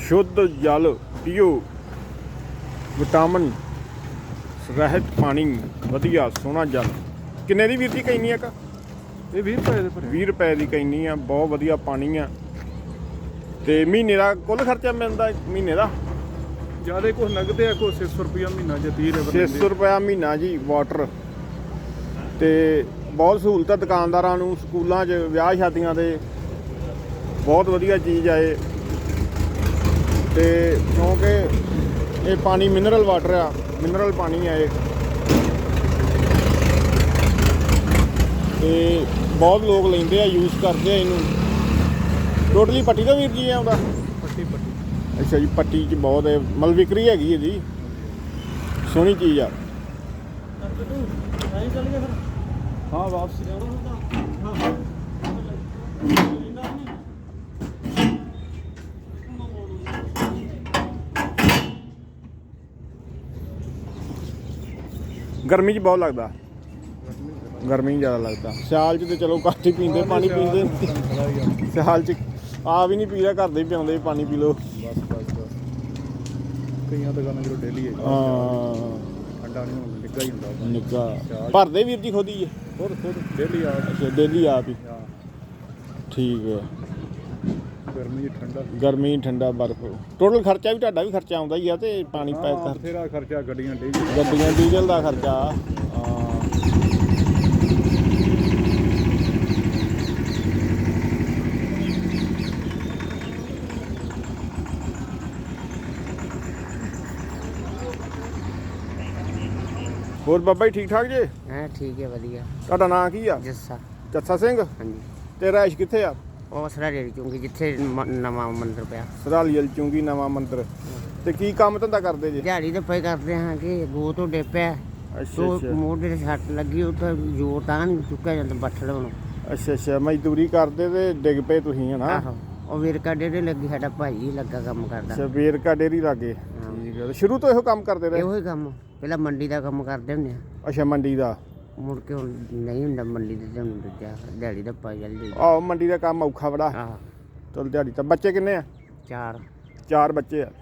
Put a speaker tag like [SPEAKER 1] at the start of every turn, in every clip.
[SPEAKER 1] शुद्ध जल PO, vitamin ਰਹਿਤ पानी वधिया सोहना जल। किन्ने दी वीर जी कैनी है?
[SPEAKER 2] ਇਹ 20 ਰੁਪਏ ਦੇ ਭਰੇ
[SPEAKER 1] 20 रुपए की कैनी आ, बहुत वधिया पानी आ। ते महीने का कुल खर्चा मिलता महीने का?
[SPEAKER 2] ਜਿਆਦਾ ਕੁਛ ਨਗਦੇ ਆ, ਕੋਈ 600 ਰੁਪਇਆ ਮਹੀਨਾ ਜਾਂ 30 ਰੁਪਏ
[SPEAKER 1] 600 रुपया महीना जी वाटर। ਤੇ ਬਹੁਤ ਸਹੂਲਤ ਆ ਦੁਕਾਨਦਾਰਾਂ ਨੂੰ, ਸਕੂਲਾਂ 'ਚ ਵਿਆਹ ਸ਼ਾਦੀਆਂ ਦੇ ਬਹੁਤ ਵਧੀਆ ਚੀਜ਼ ਆ ਇਹ। ਤੇ ਕਿਉਂਕਿ ਇਹ ਪਾਣੀ ਮਿਨਰਲ ਵਾਟਰ ਆ, ਮਿਨਰਲ ਪਾਣੀ ਆ ਇਹ। ਤੇ ਬਹੁਤ ਲੋਕ ਲੈਂਦੇ ਆ, ਯੂਜ਼ ਕਰਦੇ ਆ ਇਹਨੂੰ। ਟੋਟਲੀ ਪੱਟੀ ਦਾ ਵੀਰ ਜੀ ਆਉਂਦਾ?
[SPEAKER 2] ਪੱਟੀ ਪੱਟੀ।
[SPEAKER 1] ਅੱਛਾ ਜੀ, ਪੱਟੀ 'ਚ ਬਹੁਤ ਹੈ, ਮਲ ਵਿਕਰੀ ਹੈਗੀ ਇਹਦੀ, ਸੋਹਣੀ ਚੀਜ਼ ਆ।
[SPEAKER 2] ਹਾਂ ਵਾਪਸ
[SPEAKER 1] ਗਰਮੀ 'ਚ ਬਹੁਤ ਲੱਗਦਾ, ਗਰਮੀ ਜ਼ਿਆਦਾ ਲੱਗਦਾ। ਸਿਆਲ 'ਚ ਤੇ ਚਲੋ ਘੱਟ ਹੀ ਪੀਂਦੇ, ਪਾਣੀ ਪੀਂਦੇ। ਸਿਆਲ 'ਚ ਆ ਵੀ ਨਹੀਂ ਪੀਦਾ, ਘਰ ਦੇ ਹੀ ਪਿਆਉਂਦੇ, ਪਾਣੀ ਪੀ ਲਓ।
[SPEAKER 2] ਬਸ ਬਸ ਬਸ। ਕਈਆਂ ਦੁਕਾਨਾਂ ਜਦੋਂ ਡੇਲੀ ਹੈ
[SPEAKER 1] ਹਾਂ,
[SPEAKER 2] ਠੰਡਾ ਨਹੀਂ ਹੁੰਦਾ, ਨਿੱਘਾ ਹੀ ਹੁੰਦਾ।
[SPEAKER 1] ਨਿੱਘਾ ਭਰਦੇ ਵੀਰ ਜੀ ਖੁਦ ਹੀ ਹੈ?
[SPEAKER 2] ਖੁਦ ਡੇਲੀ ਆ।
[SPEAKER 1] ਅੱਛਾ, ਡੇਲੀ ਆਪ ਹੀ।
[SPEAKER 2] ਹਾਂ
[SPEAKER 1] ਠੀਕ ਹੈ।
[SPEAKER 2] ਗਰਮੀ ਠੰਡਾ,
[SPEAKER 1] ਗਰਮੀ ਠੰਡਾ, ਬਰਫ਼। ਟੋਟਲ ਖਰਚਾ ਵੀ ਤੁਹਾਡਾ ਵੀ ਖਰਚਾ ਆਉਂਦਾ ਹੀ ਆ, ਤੇ ਪਾਣੀ ਪੈਕ ਕਰ
[SPEAKER 2] ਬਥੇਰਾ ਖਰਚਾ, ਗੱਡੀਆਂ ਡੀਜ਼ਲ,
[SPEAKER 1] ਗੱਡੀਆਂ ਡੀਜ਼ਲ ਦਾ ਖਰਚਾ। ਹਾਂ ਹੋਰ ਬਾਬਾ ਜੀ ਠੀਕ ਠਾਕ ਜੇ?
[SPEAKER 3] ਹਾਂ ਠੀਕ ਹੈ, ਵਧੀਆ।
[SPEAKER 1] ਤੁਹਾਡਾ ਨਾਂ ਕੀ ਆ?
[SPEAKER 3] ਜੱਸਾ।
[SPEAKER 1] ਜੱਸਾ ਸਿੰਘ।
[SPEAKER 3] ਹਾਂਜੀ।
[SPEAKER 1] ਤੇ ਰਾਇਸ਼ ਕਿੱਥੇ ਆ?
[SPEAKER 3] ਉਹ ਸਰਾੜੀ ਚੁੰਗੀ, ਜਿੱਥੇ ਨਵਾਂ ਮੰਦਿਰ ਪਿਆ।
[SPEAKER 1] ਸਰਾਲੀ ਵਾਲੀ ਚੁੰਗੀ, ਨਵਾਂ ਮੰਦਿਰ। ਤੇ ਕੀ ਕੰਮ ਧੰਦਾ ਕਰਦੇ ਜੇ?
[SPEAKER 3] ਦਿਹਾੜੀ ਦੇ ਪਏ ਕਰਦੇ ਹਾਂ ਕਿ ਗੋ ਤੋਂ ਡੇਪਿਆ
[SPEAKER 1] ਅੱਛਾ
[SPEAKER 3] ਤੋ
[SPEAKER 1] ਅੱਛਾ
[SPEAKER 3] ਮੋਢੇ ਤੇ ਸੱਟ ਲੱਗੀ, ਉਹ ਤਾਂ ਜ਼ੋਰ ਤਾਂ ਨਹੀਂ ਚੁੱਕਿਆ ਜਾਂਦਾ ਬੱਠਲ ਨੂੰ।
[SPEAKER 1] ਅੱਛਾ ਅੱਛਾ, ਮਜ਼ਦੂਰੀ ਕਰਦੇ ਤੇ ਡਿੱਗ ਪਏ ਤੁਸੀਂ, ਹਨਾ?
[SPEAKER 3] ਆਹੋ, ਉਹ ਵੇਰਕਾ ਡੇਰੇ ਲੱਗੀ, ਸਾਡਾ ਭਾਈ ਲੱਗਾ ਕੰਮ ਕਰਦਾ।
[SPEAKER 1] ਅੱਛਾ, ਵੇਰਕਾ ਡੇਰੀ ਲਾਗੇ। ਠੀਕ ਹੈ। ਸ਼ੁਰੂ ਤੋਂ ਇਹੋ ਕੰਮ ਕਰਦੇ ਰਹੇ?
[SPEAKER 3] ਇਹੋ ਹੀ ਕੰਮ, ਪਹਿਲਾਂ ਮੰਡੀ ਦਾ ਕੰਮ ਕਰਦੇ ਹੁੰਦੇ ਆ,
[SPEAKER 1] ਅੱਛਾ, ਮੰਡੀ ਦਾ।
[SPEAKER 3] ਮੁੜ ਕੇ ਹੁਣ ਨਹੀਂ ਹੁੰਦਾ ਮੰਡੀ ਦੇ, ਤੁਹਾਨੂੰ ਦੂਜਾ ਦਿਹਾੜੀ ਦਾ ਪਾ ਜਲਦੀ।
[SPEAKER 1] ਆਹੋ, ਮੰਡੀ ਦਾ ਕੰਮ ਔਖਾ ਬੜਾ।
[SPEAKER 3] ਆਹ
[SPEAKER 1] ਚਲ ਦਿਹਾੜੀ ਤਾਂ। ਬੱਚੇ ਕਿੰਨੇ ਆ?
[SPEAKER 3] 4।
[SPEAKER 1] 4 ਬੱਚੇ ਆ।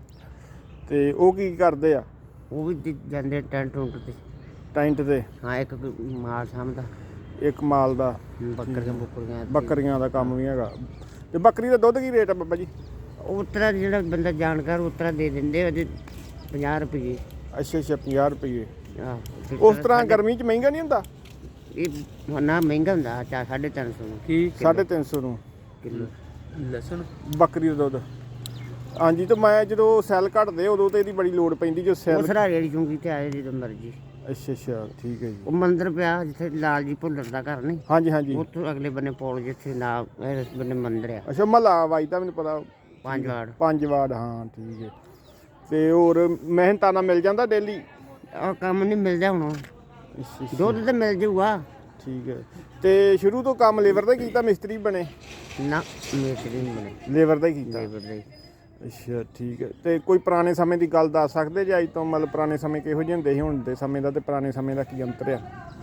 [SPEAKER 1] ਤੇ ਉਹ ਕੀ ਕਰਦੇ ਆ?
[SPEAKER 3] ਉਹ ਵੀ ਜਾਂਦੇ ਟੈਂਟ ਟੁੰਟ ਤੇ।
[SPEAKER 1] ਟੈਂਟ ਤੇ?
[SPEAKER 3] ਹਾਂ, ਇੱਕ ਮਾਲ ਸਾਂਭਦਾ,
[SPEAKER 1] ਇੱਕ ਮਾਲ ਦਾ।
[SPEAKER 3] ਬੱਕਰੀਆਂ
[SPEAKER 1] ਬੱਕਰੀਆਂ ਦਾ ਕੰਮ ਵੀ ਹੈਗਾ। ਤੇ ਬੱਕਰੀ ਦਾ ਦੁੱਧ ਕੀ ਰੇਟ ਆ ਬਾਬਾ ਜੀ?
[SPEAKER 3] ਉਤਰਾ ਜਿਹੜਾ ਬੰਦਾ ਜਾਣਕਾਰ ਉਤਰਾ ਦੇ ਦਿੰਦੇ ਉਹਦੇ 50 ਰੁਪਏ।
[SPEAKER 1] ਅੱਛਾ ਅੱਛਾ, 50 ਰੁਪਏ।
[SPEAKER 3] ਆਹ
[SPEAKER 1] ਉਸ ਤਰ੍ਹਾਂ ਗਰਮੀ 'ਚ ਮਹਿੰਗਾ ਨਹੀਂ ਹੁੰਦਾ?
[SPEAKER 3] ਇਹ ਨਾ ਮਹਿੰਗਾ ਹੁੰਦਾ, 350 ਨੂੰ।
[SPEAKER 1] 350 ਨੂੰ
[SPEAKER 3] ਕਿਲੋ ਲਸਣ
[SPEAKER 1] ਬੱਕਰੀ ਦਾ ਦੁੱਧ। ਹਾਂਜੀ। ਤੇ ਮੈਂ ਜਦੋਂ ਸੈੱਲ ਘਟਦੇ ਉਦੋਂ ਤੇ ਇਹਦੀ ਬੜੀ ਲੋੜ ਪੈਂਦੀ, ਜੋ
[SPEAKER 3] ਉਹ
[SPEAKER 1] ਸੈੱਲ।
[SPEAKER 3] ਸਰਾੜੀ ਵਾਲੀ ਚੁੰਗੀ ਤੇ ਆਏ ਜਦੋਂ ਮਰਜੀ।
[SPEAKER 1] ਅੱਛਾ ਅੱਛਾ, ਠੀਕ ਹੈ ਜੀ।
[SPEAKER 3] ਉਹ ਮੰਦਿਰ ਪਿਆ ਜਿੱਥੇ ਲਾਲ ਜੀ ਭੁੱਲਰ ਦਾ ਘਰ ਨਹੀਂ,
[SPEAKER 1] ਹਾਂਜੀ ਹਾਂਜੀ।
[SPEAKER 3] ਉੱਥੋਂ ਅਗਲੇ ਬੰਨੇ ਪੌਲ, ਜਿੱਥੇ ਨਾ ਇਸ ਬੰਨੇ ਮੰਦਿਰ ਆ।
[SPEAKER 1] ਅੱਛਾ, ਮਹੱਲਾ ਵਾਈ ਤਾਂ ਮੈਨੂੰ ਪਤਾ।
[SPEAKER 3] 5 ਵਾਰ
[SPEAKER 1] 5 ਵਾਰਡ, ਹਾਂ ਠੀਕ ਹੈ। ਤੇ ਹੋਰ ਮਿਹਨਤਾਨਾ ਮਿਲ ਜਾਂਦਾ ਡੇਲੀ?
[SPEAKER 3] ਉਹ ਕੰਮ ਨਹੀਂ ਮਿਲਦਾ ਹੁਣ,
[SPEAKER 1] ਅੱਛਾ ਅੱਛਾ,
[SPEAKER 3] ਦੁੱਧ ਤਾਂ ਮਿਲ ਜਾਊਗਾ।
[SPEAKER 1] ਠੀਕ ਹੈ। ਤੇ ਸ਼ੁਰੂ ਤੋਂ ਕੰਮ ਲੇਬਰ ਦਾ ਹੀ ਕੀਤਾ, ਮਿਸਤਰੀ ਬਣੇ?
[SPEAKER 3] ਨਾ ਮੇਤਰੀ ਨਹੀਂ ਬਣੇ,
[SPEAKER 1] ਲੇਬਰ ਦਾ ਹੀ ਕੀਤਾ।
[SPEAKER 3] ਲੇਬਰ ਦੇ।
[SPEAKER 1] ਅੱਛਾ ਠੀਕ ਹੈ। ਤੇ ਕੋਈ ਪੁਰਾਣੇ ਸਮੇਂ ਦੀ ਗੱਲ ਦੱਸ ਸਕਦੇ ਜੇ? ਅੱਜ ਤੋਂ ਮਤਲਬ ਪੁਰਾਣੇ ਸਮੇਂ ਕਿਹੋ ਜਿਹੇ ਹੁੰਦੇ ਸੀ, ਹੁਣ ਦੇ ਸਮੇਂ ਦਾ ਤੇ ਪੁਰਾਣੇ ਸਮੇਂ ਦਾ ਕੀ ਅੰਤਰ ਆ?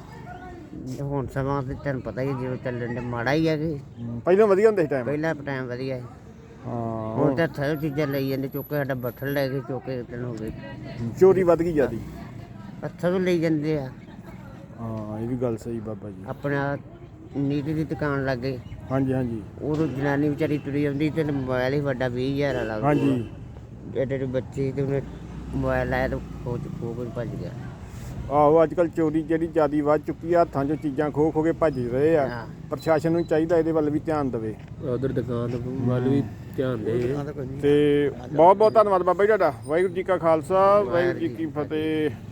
[SPEAKER 3] ਹੁਣ ਸਮਾਂ ਤੇ ਤੈਨੂੰ ਪਤਾ ਹੀ ਜਿਵੇਂ ਚੱਲਣ ਦੇ ਮਾੜਾ ਹੀ ਹੈ ਕਿ
[SPEAKER 1] ਪਹਿਲਾਂ ਵਧੀਆ ਹੁੰਦੇ ਸੀ ਟਾਈਮ?
[SPEAKER 3] ਪਹਿਲਾਂ ਟਾਈਮ ਵਧੀਆ ਹੈ।
[SPEAKER 1] ਹਾਂ,
[SPEAKER 3] ਹੁਣ ਤਾਂ ਥਰ ਚੀਜ਼ਾਂ ਲਈ ਜਾਂਦੇ, ਚੁੱਕ ਕੇ ਸਾਡਾ ਬੱਠਲ ਲੈ ਕੇ ਚੁੱਕ ਕੇ ਦਿਨ ਹੋ ਗਏ।
[SPEAKER 1] ਚੋਰੀ ਵੱਧ ਗਈ ਜਿਆਦੀ।
[SPEAKER 3] ਹੱਥਾਂ ਵੀ ਲਈ ਜਾਂਦੇ ਆ।
[SPEAKER 1] ਹਾਂ, ਇਹ ਵੀ ਗੱਲ ਸਹੀ ਬਾਬਾ ਜੀ।
[SPEAKER 3] ਆਪਣਾ ਨੀਤੀ ਦੀ ਦੁਕਾਨ ਲੱਗ ਗਈ,
[SPEAKER 1] ਹਾਂਜੀ ਹਾਂਜੀ
[SPEAKER 3] ਉਦੋਂ ਜਨਾਨੀ ਵਿਚਾਰੀ ਤੁਰੀ ਆਉਂਦੀ ਤੇ ਮੋਬਾਈਲ ਹੀ ਵੱਡਾ 20,000 ਵਾਲਾ।
[SPEAKER 1] ਹਾਂਜੀ।
[SPEAKER 3] ਐਡੇ ਐਡੇ ਬੱਚੇ ਤੇ ਉਹਨੇ ਮੋਬਾਈਲ ਲਾਇਆ ਤਾਂ ਖੋ ਕੇ ਭੱਜ ਗਿਆ।
[SPEAKER 1] ਆਹੋ, ਅੱਜ ਕੱਲ੍ਹ ਚੋਰੀ ਜਿਹੜੀ ਜ਼ਿਆਦੀ ਵੱਧ ਚੁੱਕੀ ਆ, ਹੱਥਾਂ 'ਚੋਂ ਚੀਜ਼ਾਂ ਖੋ ਖੋ ਕੇ ਭੱਜ ਰਹੇ ਆ।
[SPEAKER 3] ਹਾਂ।
[SPEAKER 1] ਪ੍ਰਸ਼ਾਸਨ ਨੂੰ ਚਾਹੀਦਾ ਇਹਦੇ ਵੱਲ ਵੀ ਧਿਆਨ ਦੇਵੇ।
[SPEAKER 3] ਉਧਰ ਦੁਕਾਨ ਵੱਲ ਵੀ ਧਿਆਨ ਦੇ।
[SPEAKER 1] ਤੇ ਬਹੁਤ ਬਹੁਤ ਧੰਨਵਾਦ ਬਾਬਾ ਜੀ ਤੁਹਾਡਾ। ਵਾਹਿਗੁਰੂ ਜੀ ਕਾ ਖਾਲਸਾ, ਵਾਹਿਗੁਰੂ ਜੀ ਕੀ ਫਤਿਹ।